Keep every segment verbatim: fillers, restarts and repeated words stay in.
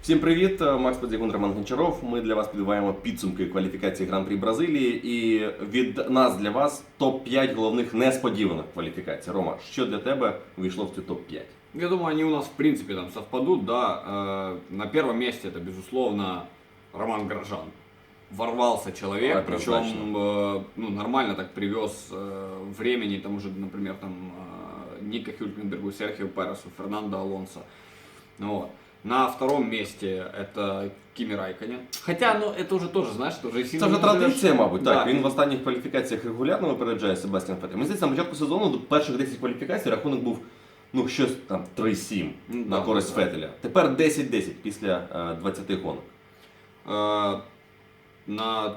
Всім привіт, Макс Подзігун, Роман Гончаров. Ми для вас підбиваємо підсумки кваліфікації Гран-прі Бразилії. І від нас для вас топ п'ять головних несподіваних кваліфікацій. Рома, що для тебе війшло в цю топ п'ять? Я думаю, они у нас в принципе там совпадут, да. Э, На первом месте это, безусловно, Роман Гросжан. Ворвался человек, Однозначно. причем э, ну, нормально так привез э, времени, там уже, например, там э, Ника Хюлькенбергу, Серхио Пересу, Фернандо Алонсо. Вот. На втором месте это Кимі Райконен. Хотя, ну, это уже тоже, знаешь, это уже Це вже традиція, мабуть. Да. Так, він в останніх кваліфікаціях регулярно випереджає Себастьян Феттеля. Мені здається, на початку сезону до перших десять кваліфікацій рахунок був ну щось там три сім Ну, на да, користь да. Феттеля. Тепер десять десять після е, двадцяти гонок. Э, на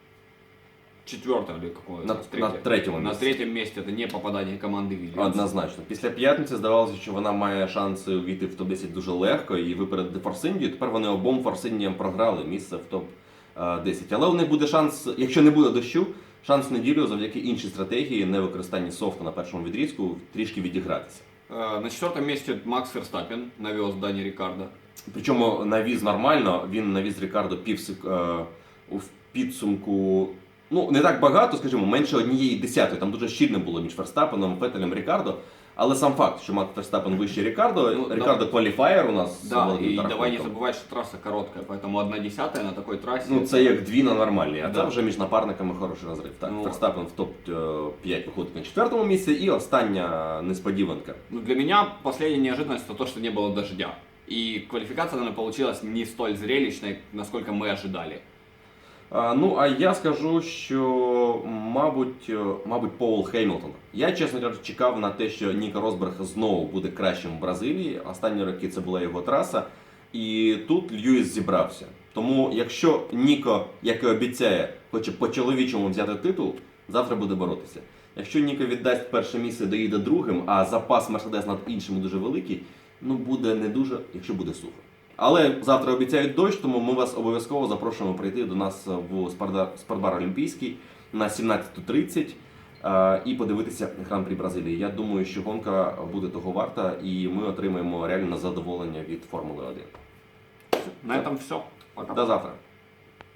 четвертом или каком На- на третьем На месте. третьем месте это не попадание команды Вильямс. Однозначно. Після п'ятниці здавалося, що вона має шанси увійти в топ десять дуже легко і випередити Форсиндію. Тепер вони обом Форсиндіям програли місце в топ десять. Але у них буде шанс, якщо не буде дощу, шанс в неділю завдяки іншій стратегії, невикористанні софту на першому відрізку, трішки відігратися. Э, На четвертом месте Макс Ферстаппен навез Дані Рікардо. Причому навіз нормально, він навіз Рікардо півсек е, у підсумку. Ну, не так багато, скажімо, менше однієї десятої. Там дуже щільно було між Ферстаппеном, Феттелем, Рікардо. Але сам факт, що Макс Ферстаппен вище Рікардо, Ну, Рікардо да. кваліфаєр у нас. з Да, великим и давай не рахунком. забывать, что трасса короткая, поэтому одна десятая на такой трассе. Ну, це як дві на нормальній, а Да. це вже між напарниками хороший розрив. Так, Ну, Ферстаппен в топ п'ять виходить на четвертому місці, і остання несподіванка. Ну, для меня последняя неожиданность это то, что не было дождя. И квалификация, наверное, получилась не столь зрелищной, насколько мы ожидали. А, ну, а я скажу, що, мабуть, е, мабуть, Пол Хеймлтон. Я, чесно кажучи, чекав на те, що Ніко Росберг знову буде кращим в Бразилії. Останні роки це була його траса. І тут Льюіс зібрався. Тому, якщо Ніко, як і обіцяє, хоче по-чоловічому взяти титул, завтра буде боротися. Якщо Ніко віддасть перше місце, доїде другим, а запас Мерседес над іншими дуже великий, ну буде не дуже, якщо буде сухо. Але завтра обіцяють дощ, тому ми вас обов'язково запрошуємо прийти до нас в спортбар, спортбар Олімпійський на сімнадцяту тридцять е, і подивитися Гран-прі Бразилії. Я думаю, що гонка буде того варта, і ми отримаємо реальне задоволення від Формули один. На этом все. Пока. До завтра.